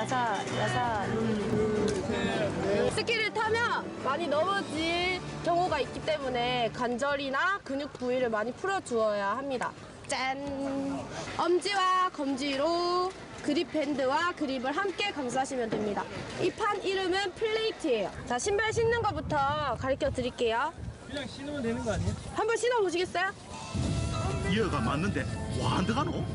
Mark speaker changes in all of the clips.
Speaker 1: 야사. 스키를 타면 많이 넘어질 경우가 있기 때문에 관절이나 근육 부위를 많이 풀어주어야 합니다. 짠! 엄지와 검지로 그립 밴드와 그립을 함께 감싸시면 됩니다. 이 판 이름은 플레이트예요. 자, 신발 신는 것부터 가르쳐 드릴게요.
Speaker 2: 그냥 신으면 되는 거 아니에요?
Speaker 1: 한번 신어 보시겠어요?
Speaker 3: 이어가 맞는데 와한드가노?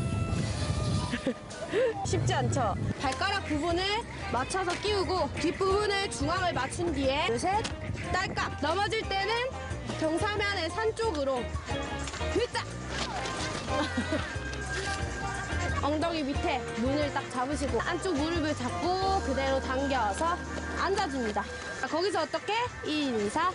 Speaker 1: 쉽지 않죠? 발가락 부분을 맞춰서 끼우고 뒷부분을 중앙을 맞춘 뒤에 둘, 셋, 딸깍! 넘어질 때는 경사면의 산 쪽으로 흐짝! 엉덩이 밑에 문을 딱 잡으시고 안쪽 무릎을 잡고 그대로 당겨서 앉아줍니다. 거기서 어떻게? 인사.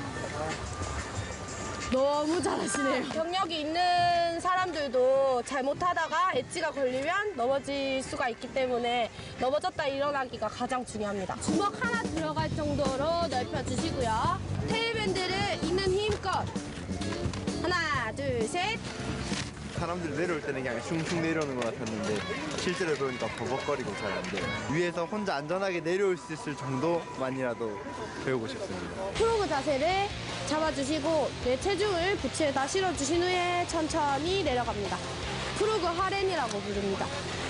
Speaker 1: 너무 잘하시네요. 경력이 있는 사람들도 잘못하다가 엣지가 걸리면 넘어질 수가 있기 때문에 넘어졌다 일어나기가 가장 중요합니다. 주먹 하나 들어갈 정도로 넓혀주시고요. 테일밴드를 있는 힘껏 하나, 둘, 셋.
Speaker 4: 사람들이 내려올 때는 그냥 슝슝 내려오는 것 같았는데 실제로 배우니까 버벅거리고 잘 안 돼요. 위에서 혼자 안전하게 내려올 수 있을 정도만이라도 배우고 싶습니다.
Speaker 1: 프로그 자세를 잡아주시고 내 체중을 부츠에다 실어주신 후에 천천히 내려갑니다. 프로그 하렌이라고 부릅니다.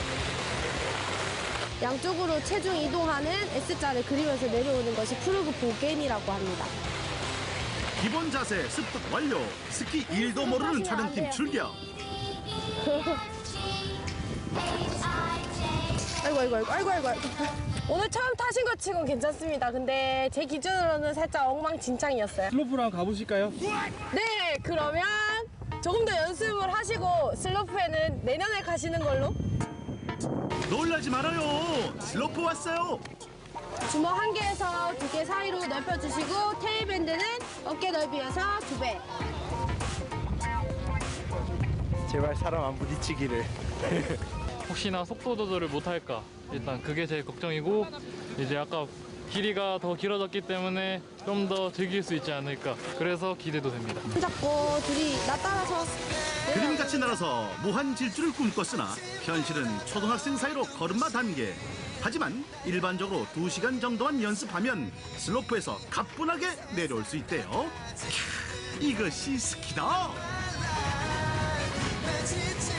Speaker 1: 양쪽으로 체중 이동하는 S자를 그리면서 내려오는 것이 프로그 보겐이라고 합니다.
Speaker 3: 기본 자세 습득 완료. 스키 1도 모르는 촬영팀 출격. 아이고. 오늘 처음 타신 것 치곤 괜찮습니다. 근데 제 기준으로는 살짝 엉망진창이었어요.
Speaker 2: 슬로프로 한번 가보실까요?
Speaker 1: 네, 그러면 조금 더 연습을 하시고 슬로프에는 내년에 가시는 걸로.
Speaker 3: 놀라지 말아요. 슬로프 왔어요.
Speaker 1: 주먹 한 개에서 두 개 사이로 넓혀주시고 테일밴드는 어깨 넓이에서 2배.
Speaker 4: 제발 사람 안 부딪히기를.
Speaker 5: 혹시나 속도 조절을 못할까 일단 그게 제일 걱정이고 이제 아까 길이가 더 길어졌기 때문에 좀 더 즐길 수 있지 않을까 그래서 기대도 됩니다.
Speaker 1: 손잡고 둘이 나 따라서
Speaker 3: 그림같이 날아서 무한 질주를 꿈꿨으나 현실은 초등학생 사이로 걸음마 단계. 하지만 일반적으로 2시간 정도만 연습하면 슬로프에서 가뿐하게 내려올 수 있대요. 캬, 이것이 스키다.